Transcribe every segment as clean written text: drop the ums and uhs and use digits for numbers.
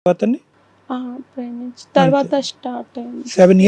అతన్ని ఆ, ప్రేమించి తర్వాత స్టార్ట్ అయింది.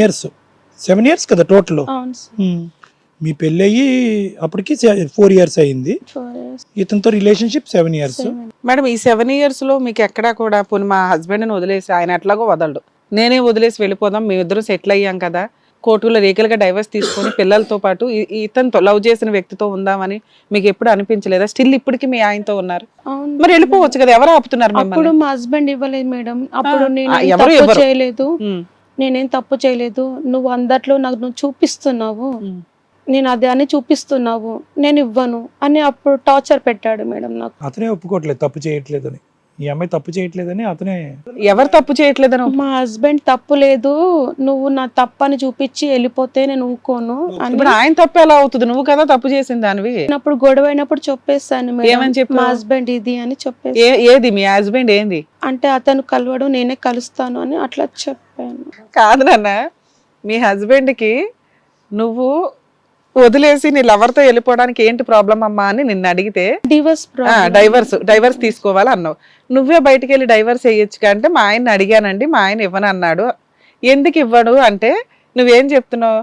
7 years కదా టోటల్. అవును సార్. మీ పెళ్ళయి అప్పటికి 4 years అయింది. 4 years. ఇతనితో రిలేషన్షిప్ 7 years. 7. మేడం ఈ 7 years లో మీకు ఎక్కడా కూడా పోనీ మా హస్బెండ్ని వదిలేసి ఆయన ఎట్లాగో వదలడు, నేనే వదిలేసి వెళ్ళిపోదాం, మేమిద్దరం సెటిల్ అయ్యాం కదా, కోర్టులో లీగల్గా డైవర్స్ తీసుకొని పిల్లలతో పాటు ఇతనితో లవ్ చేసిన వ్యక్తితో ఉందామని మీకు ఎప్పుడు అనిపించలేదా? స్టిల్ ఇప్పటికి మీ ఆయనతో ఉన్నారు, అవును. మరి వెళ్ళిపోవచ్చు కదా, ఎవరు ఆపుతున్నారు అప్పుడు మిమ్మల్ని? మా హస్బెండ్ ఇవ్వలేదు మేడం. అప్పుడు నేను ఎవరు తప్పు ఇవ్వరు. చేయలేదు, ఉమ్, నేనేం తప్పు చేయలేదు, నువ్వు అందట్లో నాకు నువ్వు చూపిస్తున్నావు, ఉమ్. నేను అదే అని చూపిస్తున్నావు, నేను ఇవ్వను అని అప్పుడు టార్చర్ పెట్టాడు మేడం నాకు. అతనే ఒప్పుకోవట్లేదు తప్పు చేయట్లేదని, ఈ అమ్మాయి తప్పు చేయట్లేదని అతనే. ఎవరు తప్పు చేయట్లేదని? మా హస్బెండ్ తప్పు లేదు, నువ్వు నా తప్పని చూపించి వెళ్ళిపోతే నేను ఊకోను అని. ఇప్పుడు ఆయన తప్పు ఎలా అవుతుంది, నువ్వు కదా తప్పు చేసింది దానివి. అప్పుడు గొడవ అయినప్పుడు చెప్పేస్తాను ఏమని మేడం, చెప్పావు? మా హస్బెండ్ ఇది అని చెప్పేసి. ఏది మీ హస్బెండ్ ఏంది? అంటే అతను కలవడు, నేనే కలుస్తాను అని అట్లా చెప్పాను. కాదు నాన్న, మీ హస్బెండ్కి నువ్వు వదిలేసి నీ లవర్తో వెళ్ళిపోవడానికి ఏంటి ప్రాబ్లం అమ్మా అని నిన్ను అడిగితే డైవర్స్ తీసుకోవాలి అన్నావు. నువ్వే బయటికి వెళ్ళి డైవర్స్ వేయొచ్చు అంటే మా ఆయన్ని అడిగానండి, మా ఆయన ఇవ్వను అన్నాడు. ఎందుకు ఇవ్వడు అంటే నువ్వేం చెప్తున్నావు?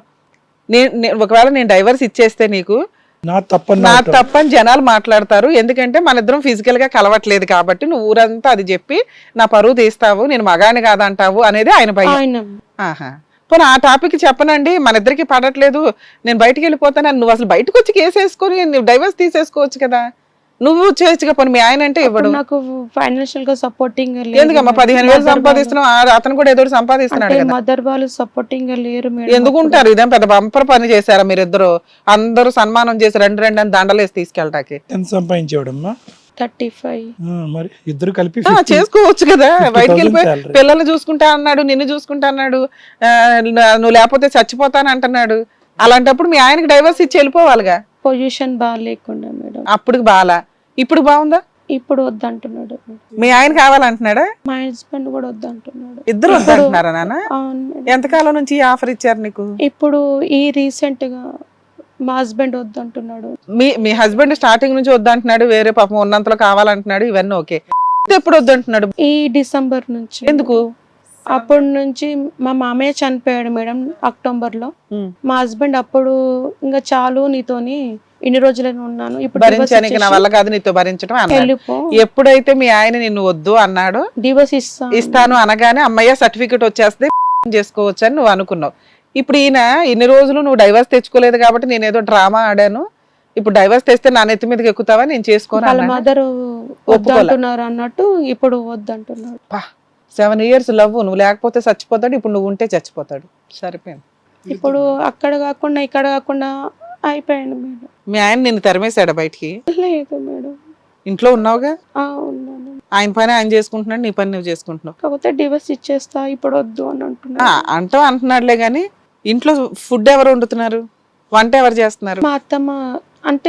ఒకవేళ నేను డైవర్స్ ఇచ్చేస్తే నీకు నా తప్పని జనాలు మాట్లాడతారు, ఎందుకంటే మన ఇద్దరం ఫిజికల్ గా కలవట్లేదు కాబట్టి నువ్వు ఊరంతా అది చెప్పి నా పరువు తీస్తావు, నేను మగాని కాదంటావు అనేది ఆయన భయం. ఆహా, పోనీ ఆ టాపిక్ చెప్పనండి, మన ఇద్దరికి పడట్లేదు, నేను బయటికి వెళ్ళిపోతాను, నువ్వు అసలు బయటకు వచ్చి కేసు వేసుకొని నువ్వు డైవర్స్ తీసేసుకోవచ్చు కదా, నువ్వు చేయొచ్చుగా. పోనీ మీ ఆయన అంటే ఇవ్వడు. నాకు ఫైనాన్షియల్ గా సపోర్టింగ్ ఎందుకమ్మా 15,000 సంపాదిస్తున్నావు, అతను కూడా ఏదో సంపాదిస్తున్నాడు కదా. మదర్ వాళ్ళు సపోర్టింగ్ లేరు మేడం. ఎందుకు ఉంటారు? ఇదేం పెద్ద బంపర్ పని చేశారా మీరిద్దరు? అందరూ సన్మానం చేసి రెండు అని దండలేసి తీసుకెళ్ళటానికి. ఎంత సంపాదించేవాడమ్మా? 35. మరి ఇద్దరు కలిపి చేసుకోవచ్చు కదా, 50,000 బయటికి వెళ్ళిపోయి salary. పిల్లల్ని చూసుకుంటా అన్నాడు, నిన్ను చూసుకుంటా అన్నాడు, నువ్వు లేకపోతే చచ్చిపోతాను అంటున్నాడు. అలాంటప్పుడు మీ ఆయనకి డైవర్స్ ఇచ్చి వెళ్ళిపోవాలిగా. Position బాగాలేకుండా madam. అప్పుడు బాలా, ఇప్పుడు బాగుందా? ఇప్పుడు వద్దంటున్నాడు. మీ ఆయన కావాలంటున్నాడా? మా హస్బెండ్ కూడా వద్దంటున్నాడు. ఇద్దరు వద్దంటున్నారా నాన్న? అవును మేడం. ఎంతకాలం నుంచి ఈ ఆఫర్ ఇచ్చారు నీకు? ఇప్పుడు ఈ రీసెంట్ గా మా హస్బెండ్ వద్దంటున్నాడు. మీ హస్బెండ్ స్టార్టింగ్ నుంచి వద్దంటున్నాడు, వేరే పాపం ఉన్నంతలో కావాలంటున్నాడు, ఇవన్నీ ఓకే. ఎప్పుడు వద్దంటున్నాడు? ఈ డిసెంబర్ నుంచి. ఎందుకు? అప్పటి నుంచి మా మామయ్య చనిపోయాడు మేడం అక్టోబర్ లో. మా హస్బెండ్ అప్పుడు ఇంకా చాలు నీతోని ఇన్ని రోజులని ఉన్నాను, ఇప్పుడు భరించానికి నా వల్ల కాదు నీతో భరించడం అన్నాడు. వెళ్ళిపో. ఎప్పుడైతే మీ ఆయన నిన్ను వద్దు అన్నాడు, డివోర్స్ ఇస్తాను అనగానే అమ్మయ్య సర్టిఫికెట్ వచ్చేస్తే చేసుకోవచ్చు అని నువ్వు అనుకున్నావు. ఇప్పుడు ఈయన ఇన్ని రోజులు నువ్వు డైవర్స్ తెచ్చుకోలేదు కాబట్టి నేను ఏదో డ్రామా ఆడాను, ఇప్పుడు డైవర్స్ తెస్తే నా నెత్తి మీదకి ఎక్కుతావా, నేను చేసుకోను వాళ్ళ మదర్ వద్దంటున్నారు అన్నట్టు ఇప్పుడు వద్దంటున్నాడు. 7 years లవ్, నువ్వు లేకపోతే చచ్చిపోతాడు, ఇప్పుడు నువ్వు ఉంటే చచ్చిపోతాడు. సరిపోయింది. ఇప్పుడు అక్కడ కాకుండా ఇక్కడ కాకుండా అయిపోయాను మేడం. మీ ఆయన నిన్ను తరిమేశాడా బయటికి? లేదు మేడం, ఇంట్లో ఉన్నావుగా. ఉన్నాను. ఆయన పని ఆయన చేసుకుంటున్నాడు, నీ పని నువ్వు చేసుకుంటున్నావు. కాకపోతే డివోర్స్ ఇచ్చేస్తా ఇప్పుడు వద్దు అని అంటున్నా. అంటున్నాడులే గాని ఇంట్లో ఫుడ్ ఎవరు వండుతున్నారు, వంట ఎవరు చేస్తున్నారు? మా అత్తమ్మ అంటే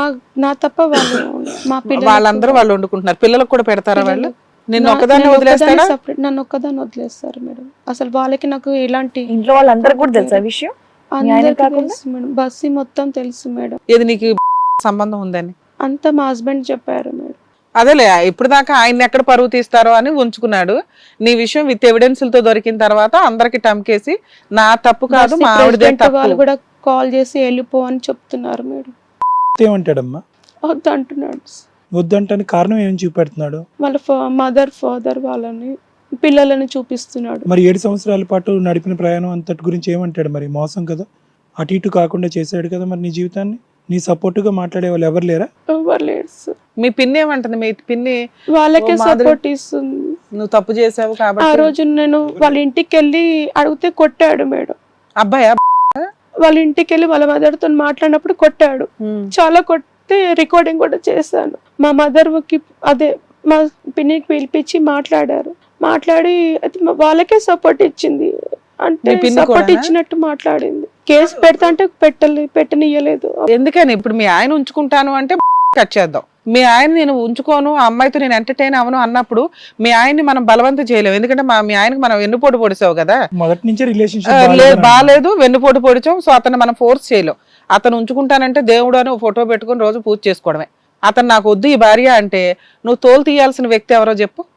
నా తప్ప వాళ్ళు మా పిల్లలు వాళ్ళందరూ వాళ్ళు వండుకుంటున్నారు. పిల్లలకు కూడా పెడతారా వాళ్ళు? నిన్ను ఒక్కదాన్ని వదిలేస్తారా? నన్ను ఒక్కదాన్ని వదిలేస్తారు మేడం. అసలు వాళ్ళకి నాకు ఎలాంటి ఇంట్లో వాళ్ళందరికీ కూడా తెలుసా విషయం? అందరికీ తెలుసు మేడం, బస్సు మొత్తం తెలుసు మేడం. ఏది నీకు సంబంధం ఉందని అంతా మా హస్బెండ్ చెప్పారు మేడం. అదేలే, ఇప్పుడు దాకా ఆయన ఎక్కడ పరువు తీస్తారో అని ఉంచుకున్నాడు. నీ విషయం విత్ ఎవిడెన్స్లతో దొరికిన తర్వాత అందరికి టమ్కేసి నా తప్పు కాదు మా ఆవిడదే తప్పు. వాళ్ళు కూడా కాల్ చేసి వెళ్ళిపో అని చెప్తున్నారు మేడం. ఏమంటాడమ్మా? వద్దు అంటున్నాడు. వద్దంటానికి కారణం ఏం చూపెడుతున్నాడు? వాళ్ళ మదర్ ఫాదర్ వాళ్ళని పిల్లలని చూపిస్తున్నాడు. మరి 7 సంవత్సరాల పాటు నడిపిన ప్రయాణం అంతటి గురించి ఏమంటాడు? మరి మోసం కదా, అటు ఇటు కాకుండా చేశాడు కదా మరి నీ జీవితాన్ని. నీ సపోర్టుగా మాట్లాడే వాళ్ళు ఎవరు లేరా? ఎవరు లేరు సార్. మీ పిన్ని ఏమంటుంది? మీ పిన్ని వాళ్ళకే సపోర్ట్ ఇస్తుంది. నువ్వు తప్పు చేసావు ఆ కాబట్టి. రోజు నేను వాళ్ళ ఇంటికి వెళ్ళి అడిగితే కొట్టాడు మేడం. అబ్బాయా? వాళ్ళ ఇంటికి వెళ్ళి వాళ్ళ మదర్ తో మాట్లాడినప్పుడు కొట్టాడు, చాలా కొట్టే రికార్డింగ్ కూడా చేశాను. మా మదర్ కి అదే మా పిన్నికి పిలిపించి మాట్లాడారు. మాట్లాడి వాళ్ళకే సపోర్ట్ ఇచ్చింది, అంటే సపోర్ట్ ఇచ్చినట్టు మాట్లాడింది. కేసు పెడతా అంటే పెట్టనియ్యలేదు. ఎందుకని ఇప్పుడు మీ ఆయన ఉంచుకుంటాను అంటే కట్ చేద్దాం. మీ ఆయన నేను ఉంచుకోను, ఆ అమ్మాయితో నేను ఎంటర్టైన్ అవను అన్నప్పుడు మీ ఆయన్ని మనం బలవంతం చేయలేము. ఎందుకంటే మీ ఆయనకి మనం వెన్నుపోటు పొడిచావు కదా, మొదటి నుంచి రిలేషన్షిప్ బాగాలేదు, వెన్నుపోటు పొడిచాం. సో అతను మనం ఫోర్స్ చేయలేం. అతను ఉంచుకుంటానంటే దేవుడు అని ఫోటో పెట్టుకుని రోజు పూజ చేసుకోవడమే. అతను నాకు వద్దు ఈ భార్య అంటే నువ్వు తోలు తీయాల్సిన వ్యక్తి ఎవరో చెప్పు.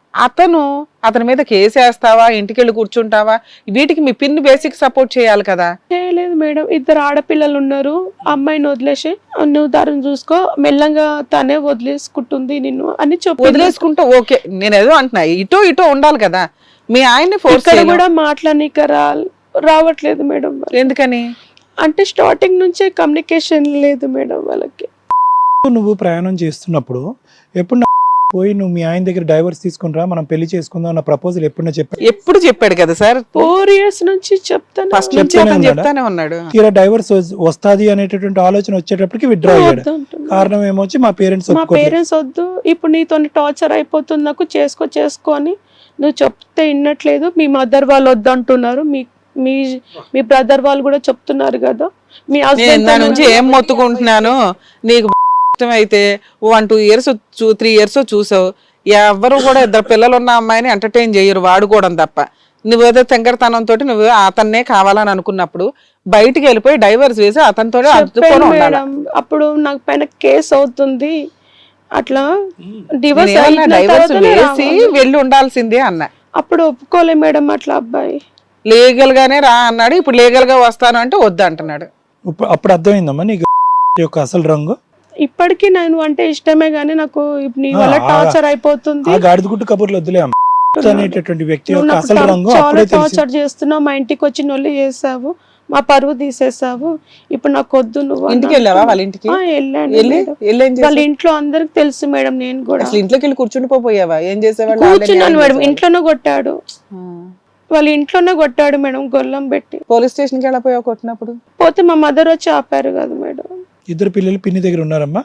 అతని మీద కేసు వేస్తావా, ఇంటికి వెళ్ళి కూర్చుంటావా? వీటికి మీ పిన్ని బేసిక్ సపోర్ట్ చేయాలి కదా. చేయలేదు మేడం, 2 ఆడపిల్లలు ఉన్నారు, అమ్మాయిని వదిలేసి నువ్వు దారిని చూసుకో, మెల్లంగా తనే వదిలేసుకుంటుంది నిన్ను అని చెప్పి వదిలేసుకుంటూ ఓకే, నేను ఏదో అంటున్నా, ఇటో ఉండాలి కదా. మీ ఆయన్ని ఫోర్స్ ఇక్కడ కూడా మాట్లాడనీక రావట్లేదు మేడం. ఎందుకని అంటే స్టార్టింగ్ నుంచే కమ్యూనికేషన్ లేదు మేడం వాళ్ళకి. నువ్వు ప్రయాణం చేస్తున్నప్పుడు ఎప్పుడు పోయి నువ్వు మీ ఆయన దగ్గర డైవర్స్ తీసుకునిరా, మనం పెళ్లి చేసుకుందాం అన్న ప్రపోజల్ ఎప్పుడు చెప్పాడు కదా సార్. 4 years నుంచి చెప్తాను, ఫస్ట్ నుంచి అతను చెప్తానే ఉన్నాడు. తీరా డైవర్స్ వస్తాది అనేటటువంటి ఆలోచన వచ్చేటప్పటికి విత్డ్రా అయ్యాడు. కారణం ఏమొచ్చి మా పేరెంట్స్ మా పేరెంట్స్ వద్దు, ఇప్పుడు నీతో టార్చర్ అయిపోతుంది నాకు, చేసుకో అని నువ్వు చెప్తే వినట్లేదు, మీ మదర్ వాళ్ళు వద్దు అంటున్నారు, మీ బ్రదర్ వాళ్ళు కూడా చెప్తున్నారు కదా, మీ హస్బెండ్ నుంచి ఏం మొత్తుకుంటున్నాను, నీకు ఇష్టమైతే 1-2 years 3 years చూసావు, ఎవరు కూడా 2 పిల్లలు ఉన్న అమ్మాయిని ఎంటర్టైన్ చేయరు వాడుకోవడం తప్ప. నువ్వేదో తెంగరతనంతో నువ్వు అతన్నే కావాలని అనుకున్నప్పుడు బయటికి వెళ్ళిపోయి డైవర్స్ వేసి అతనితో అప్పుడు నాకు పైన కేసు అవుతుంది, అట్లా డైవర్స్ వేసి వెళ్ళి ఉండాల్సిందే అన్న. అప్పుడు ఒప్పుకోలే మేడం అట్లా అబ్బాయి. లీగల్ గానే రా అన్నాడు, ఇప్పుడు లీగల్ గా వస్తాను అంటే వద్దు అంటున్నాడు. అప్పుడు అర్థమైందమ్మా నీకు యొక్క అసలు రంగు? ఇప్పటికీ నేను అంటే ఇష్టమే గానీ నాకు నీ వల్ల టార్చర్ అయిపోతుంది. గాడిదగుట్టు కబుర్లు వద్దులే అనేటటువంటి వ్యక్తి యొక్క అసలు రంగు చాలా టార్చర్ చేస్తున్నావు, మా ఇంటికి వచ్చి నొల్లి చేసావు, మా పరువు తీసేసావు, ఇప్పుడు నాకు వద్దు. నువ్వు ఇంటికి వెళ్ళావా? వాళ్ళ ఇంటికి వెళ్ళాను, వాళ్ళ ఇంట్లో అందరికి తెలుసు మేడం. నేను కూడా ఇంట్లోకి వెళ్ళి కూర్చుండిపోయావా? ఏం చేసేవాళ్ళు? కూర్చున్నాను మేడం, ఇంట్లోనే కొట్టాడు, వాళ్ళ ఇంట్లోనే కొట్టాడు మేడం, గొల్లం పెట్టి. పోలీస్ స్టేషన్ కి వెళ్ళిపోయావు కొట్టినప్పుడు? పోతే మా మదర్ వచ్చి ఆపారు కదా మేడం. 2 పిల్లలు పిన్ని దగ్గర ఉన్నారమ్మా?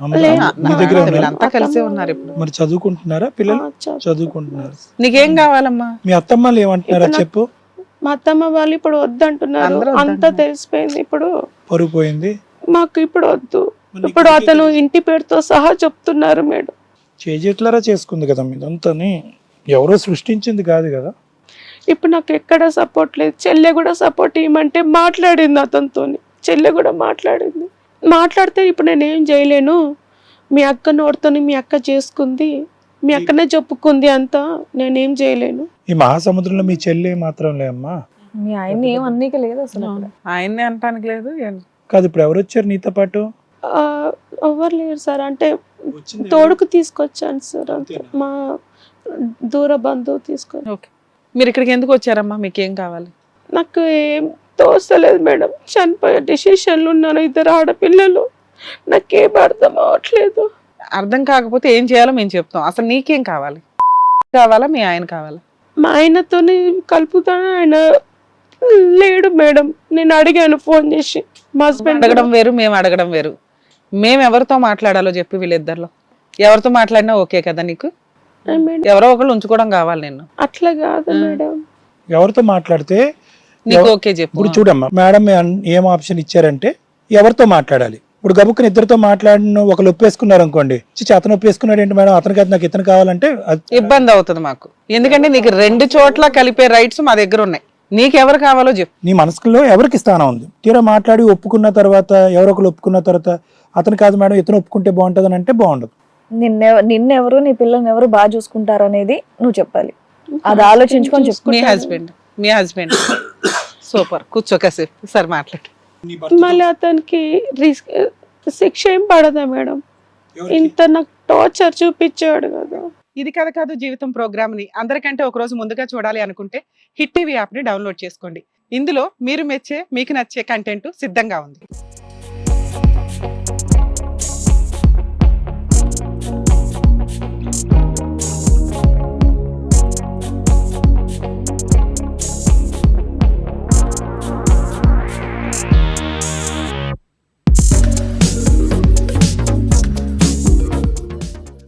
అంతా కలిసి ఉన్నారు ఇప్పుడు. మరి చదువుకుంటున్నారా పిల్లలు? చదువుకుంటున్నారు. నీకేం కావాలమ్మా? మీ అత్తమ్మలు ఏమంటున్నారా చెప్పు? మా అత్తమ్మ వాళ్ళు ఇప్పుడు వద్దంటున్నారు, అంతా తెలిసిపోయింది, ఇప్పుడు పరుగు పోయింది మాకు, ఇప్పుడు వద్దు. ఇప్పుడు అతను ఇంటి పేరుతో సహా చెప్తున్నారు మేడం. చేజెట్లారా చేసుకుంది కదా మీదంతాని, ఎవరో సృష్టించింది కాదు కదా. ఇప్పుడు నాకు ఎక్కడ సపోర్ట్ లేదు. చెల్లె కూడా సపోర్ట్ ఇవ్వమంటే మాట్లాడింది అతనితో, చెల్లె కూడా మాట్లాడితే ఇప్పుడు నేనేం చేయలేను, మీ అక్క నోడుతోని మీ అక్క చేసుకుంది, మీ అక్కనే చెప్పుకుంది, అంతా నేనేం చేయలేను. ఈ మహాసముద్రంలో మీ చెల్లి మాత్రం లేమ్మా, మీ ఆయన్ని ఏం అన్నీక లేదు అసలు. ఆయన్ని అంటానికి లేదు కాదు. ఇప్పుడు ఎవరు వచ్చారు నీతో పాటు? ఎవరు లేరు సార్, అంటే తోడుకు తీసుకొచ్చాను సార్, మా దూర బంధువు తీసుకొని. మీరు ఇక్కడికి ఎందుకు వచ్చారమ్మా? మీకేం కావాలి? నాకు ఏం తోస్తలేదు మేడం, చనిపోయే డిసిషన్లు ఉన్నాను, 2 ఆడపిల్లలు, నాకేం అర్థం అవ్వట్లేదు. అర్థం కాకపోతే ఏం చేయాలో మేము చెప్తాం. అసలు నీకేం కావాలి? కావాలా మీ ఆయన కావాలా? మా ఆయనతోని కలుపుతాను, ఆయన లేడు మేడం. నేను అడిగాను ఫోన్ చేసి, మా హస్బెండ్ అడగడం వేరు, మేము అడగడం వేరు. మేము ఎవరితో మాట్లాడాలో చెప్పి వీళ్ళిద్దరిలో ఎవరితో మాట్లాడినా ఓకే కదా నీకు? ఎవరో ఒకళ్ళు ఉంచుకోవడం కావాలి నిన్ను. అట్లా కాదు మేడం, ఎవరితో మాట్లాడితే నీకు ఓకే చెప్పు. ఇప్పుడు చూడమ్మా, మేడం ఏం ఆప్షన్ ఇచ్చారంటే ఎవరితో మాట్లాడాలి. ఇప్పుడు గబుక్కుని 2తో మాట్లాడిన ఒకళ్ళు ఒప్పేసుకున్నారు అనుకోండి, అతను ఒప్పేసుకున్నాడు ఏంటి మేడం, అతను కాదు నాకు ఇతను కావాలంటే ఇబ్బంది అవుతుంది మాకు. ఎందుకంటే నీకు 2 చోట్ల కలిపే రైట్స్ మా దగ్గర ఉన్నాయి. నీకెవరు కావాలో చెప్పు. నీ మనసులో ఎవరికి స్థానం ఉంది? తీరా మాట్లాడి ఒప్పుకున్న తర్వాత, ఎవరో ఒకరు ఒప్పుకున్న తర్వాత అతను కాదు మేడం ఇతను ఒప్పుకుంటే బాగుంటుంది అని అంటే బాగుండదు. నిన్నెవరు నీ పిల్లల్ని ఎవరు బాగా చూసుకుంటారు అనేది నువ్వు చెప్పాలి, అది ఆలోచించుకొని చెప్పు. మీ హస్బెండ్ సూపర్, కూర్చో కాసేపు సార్ మాట్లాడు. మళ్ళీ అతనికి శిక్ష ఏం పడదా మేడం? ఇంత నాకు టార్చర్ చూపించాడు కదా. ఇది కథ కాదు జీవితం ప్రోగ్రామ్ ని అందరికంటే ఒక రోజు ముందుగా చూడాలి అనుకుంటే హిట్ టీవీ యాప్ ని డౌన్లోడ్ చేసుకోండి. ఇందులో మీరు మెచ్చే, మీకు నచ్చే కంటెంట్ సిద్ధంగా ఉంది.